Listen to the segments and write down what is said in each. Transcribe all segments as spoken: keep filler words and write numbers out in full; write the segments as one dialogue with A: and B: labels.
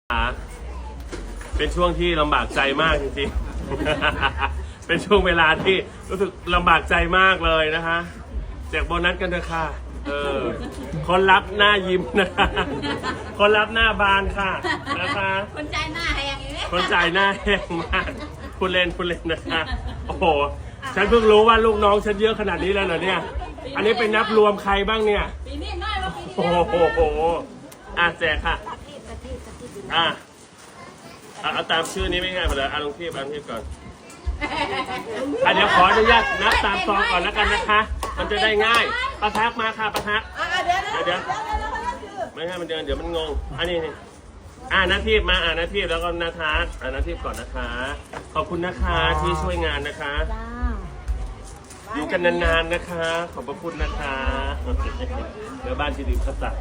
A: เป็นช่วงที่ลำบากใจมากจริงๆ เป็นช่วงเวลาที่รู้สึกลำบากใจมากเลยนะคะแจกโบนัสกันเถอะค่ะเออคนรับหน้ายิ้มนะคะคนรับหน้าบานค่ะนะคะ
B: คนใจหน้าแหงอย่างนี้
A: คนจ่ายหน้าแห้งมากคุณเล่นคุณเล่นนะคะโอ้โหฉันเพิ่งรู้ว่าลูกน้องฉันเยอะขนาดนี้แล้วเหรอเนี่ยอันนี้เป็นนับรวมใครบ้างเนี่ย
B: ปีนี้น้อยกว่าปีที่
A: โอ้
B: แล้ว
A: โหอ่ะแจกค่ะอ่ะเอาตามชื่อนี้ไม่ง่ายไปเลยอ่ะลงทีบลงทีบก่อนอ่ะเดี๋ยวขออนุญาตนับตามซองก่อนแล้วกันนะคะมันจะได้ง่ายประทักมาค่ะประทักเดี๋ยวไม่ให้มันเดินเดี๋ยวมันงงอันนี้นี่อ่านาทีมาอ่านาทีแล้วก็นาทัศอ่านาทีก่อนนะคะขอบคุณนะคะที่ช่วยงานนะคะอยู่กันนานๆนะคะขอบพระคุณนะคะเดี๋ยวบ้านที่ดิบเขาตัด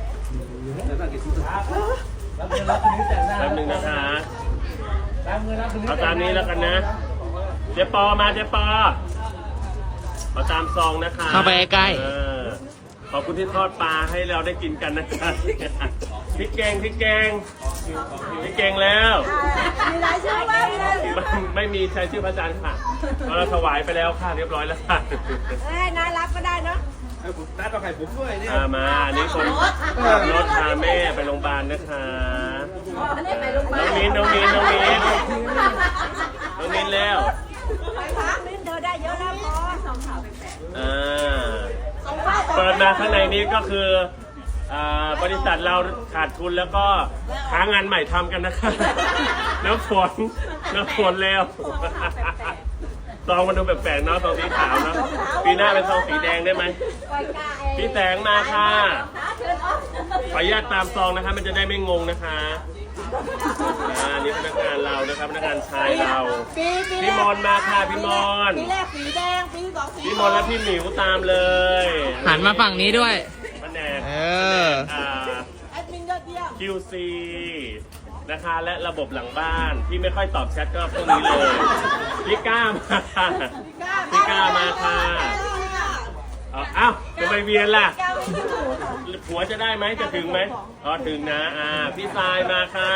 A: แป๊บนึงนะคะเอาตามนี้แล้วกันนะเจ๊ปอมาเจ๊ปอเอาตามซองนะคะ
C: เข้าไปใกล้
A: ขอบคุณที่ทอดปลาให้เราได้กินกันนะคะพริกแกงพริกแกงพริกแกงแล้ว
B: มีรายชื่อไหม
A: ไม่มีใช้ชื่อพระอาจารย์ค่ะเราถวายไปแล้วค่ะเรียบร้อยแล้วค่ะ
B: เอ้ยน่ารับก็ได้เนาะ
D: นัดเอาไข่ผมด้วยเนี่ย
A: มาอันนี้คนรถพาแม่ไปโรงพยาบาลนะคะน้องมิ้นน้องมิ้นน้องมิ้นน้องมิ้นแล้ว
B: ไปพักมิ้นเธอได้เยอะแล้วพอสองข่าวแปลก
A: อ่าเปิดมาข้างในนี้ก็คือบริษัทเราขาดทุนแล้วก็หางานใหม่ทำกันนะคะน้ำฝนน้ำฝนแล้วซองมันดูแปลกๆเนาะซองสีขาวเนาะปีหน้าเป็นซองสีแดงได้ไหมพี่แสงมาค่ะขออนุญาตตามซองนะคะมันจะได้ไม่งงนะคะอ่านี่พนักงานเรานะครับพนักงานชายเราพี่มนมาค่ะพี่มน
B: ปีแรกสีแดงปีสองสี
A: พี่มนและพี่หมิวตามเลย
C: หันมาฝั่งนี้ด้วย
A: แผนก
C: เออ
B: แอดมินยอดเยี่ยม
A: คิว ซี นะคะและระบบหลังบ้านที่ไม่ค่อยตอบแชทก็พวกนี้เลยพี่ก้ามาค่ะพี่ก้ามาค่ะอ้าวจะไปเวียนล่ะผัวจะได้ไหมจะถึงไหมอ๋อถึงนะอ่าพี่ทรายมาค่ะ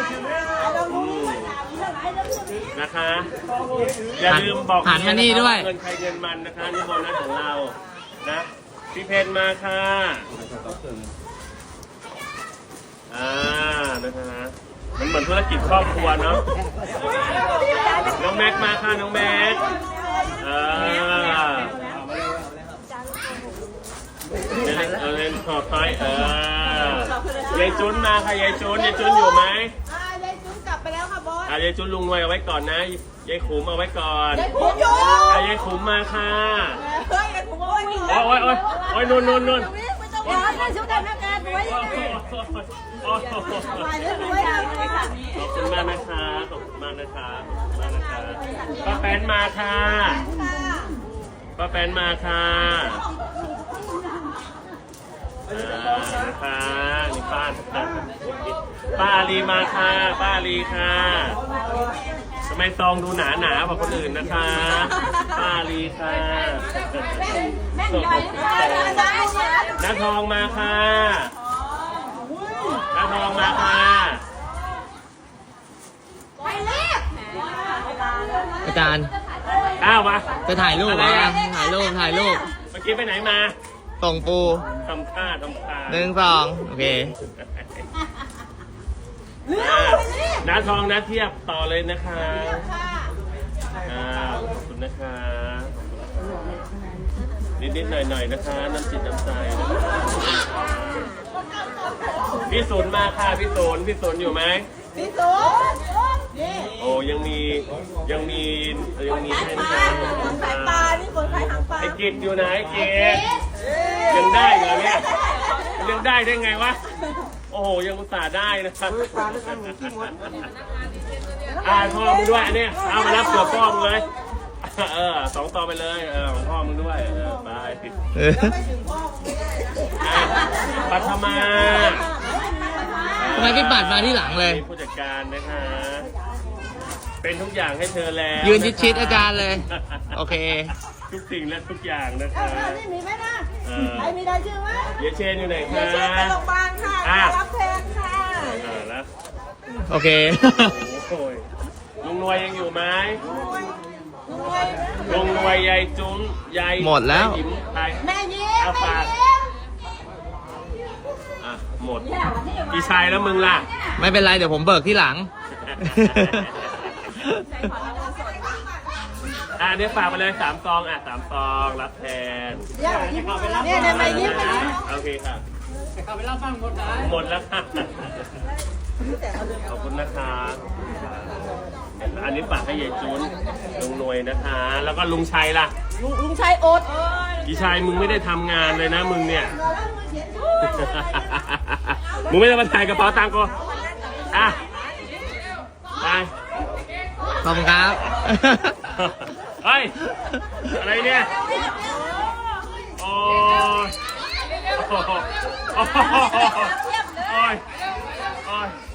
A: นะคะอย่าลืมบอก
C: หันมานี่ด้วย
A: เงินใครเงินมันนะคะนี่โบนัสของเรานะพี่เพนมาค่ะอ่านะคะมันเหมือนธุรกิจครอบครัวเนาะน้องแม็กมาค่ะน้องแม็กอ่าเอาเล่นขอบไฟเออยายจุนมาค่ะยายจุนยายจุนอยู่ไหม
B: ยายจุนกลับไปแล้วค่ะบอส
A: อ่ายายจุนลุงรวยเอาไว้ก่อนนะยายขุมเอาไว้ก่อน
B: ยายขุมอยู่
A: อ่ายายขุมมาค่ะ
B: เฮ้ยยายขุมโอ้ย
A: โอ้ยโอ้ยโอ้ยนุ่นนุ่นนุ่น
B: ไม่ต้องร้อนนะชุดทำงานไว้ยังไงขอบ
A: คุณมากนะคะขอบคุณมากนะคะขอบคุณมากนะคะป้าแป้นมาค่ะป้าแป้นมาค่ะนะคะนี่ป้าป้าอาลีมาค่ะป้าอาลีค่ะทำไมซองดูหนาหนากว่าคนอื่นนะคะป้าอาลีค่ะน้าทองมาค่ะน้าทองมาค่ะ
C: อาจารย์
A: อ้าวมา
C: จะถ่ายรูปเหรอถ่ายรูปถ่ายรูป
A: เมื่อกี้ไปไหนมา
C: ส่งปู
A: ทำค่าทำค่า
C: หนึ่งสองโอเค
A: น้าทองน้าเทียบต่อเลยนะคะอ่าขอบคุณนะคะนิดๆหน่อยๆนะคะน้ำจิตน้ำใจพี่ศูนย์มาค่ะพี่ศูนย์พี่ศูนย์อยู่ไหม
B: พี่ศูนย์
A: โอ้ยังมียังมียังมีให้นะ
B: สายปลานี่คนขายหางปลา
A: ไอ้กิจอยู่ไหนไอ้กิจยังได้เหรอเนี่ยยังได้ได้ไงวะโอ้โหยังอุตส่าห์ได้นะครับอ่าพ่อมึงด้วยอันนี้เอามารับตัวพ่อมึงเลยเออสองต่อไปเลยเออของพ่อมึงด้วยเออไปปัทมา
C: ทำไมพี่ปัดมาที่หลังเลย
A: ผู้จัดการนะคะเป็นทุกอย่างให้เธอแล้ว
C: ยืนชิดๆอาจารย์เลยโอเค
A: ทุกสิ่งและทุกอย่างนะคะ
B: นี่มีไหมนะใครมีได้ชื่อไหม
A: เยเชนอยู่ไหนคะ
B: เยเชนไปโรงพยาบาลค่ะรับแทนค่ะ
A: แล้ว
B: ไ
C: โอเค
A: โอ้ยลุงนวยยังอยู่ไหมลุงนวยยายจุ้มยาย
C: หมดแล้ว
A: ยายหยิมไป
B: แม่ยิ้ม
A: เอาฝากอ่ะหมดพี่ชายแล้วมึงล่ะ
C: ไม่เป็นไรเดี๋ยวผมเบิกที่หลัง
A: อ่ะเดี๋ยวฝากไปเลยสามซองอ่ะสามซองรับแทน
B: เนี่ยเนี่ยแม่ยิ้มนะ
A: โอเคค่ะเข้าไปรับฟังหมดแล้วหมดแล้วค่ะขอบคุณนะคะอันนี้ฝากให้ยายจุนลุงหน่วยนะคะ แล้วก็ลุงชัยล่ะ
B: ลุงลุงชัยโอ๊ต
A: พี่ชัยมึงไม่ได้ทำงานเลยนะมึงเนี่ย มึงไม่ได้มาถ่ายกระเป๋าตังค์กูอ่ะไป
C: ขอบคุณครับ
A: เฮ้ย อะไรเนี่ย โอ้ยโอ้ยโอ้ยโอ้ย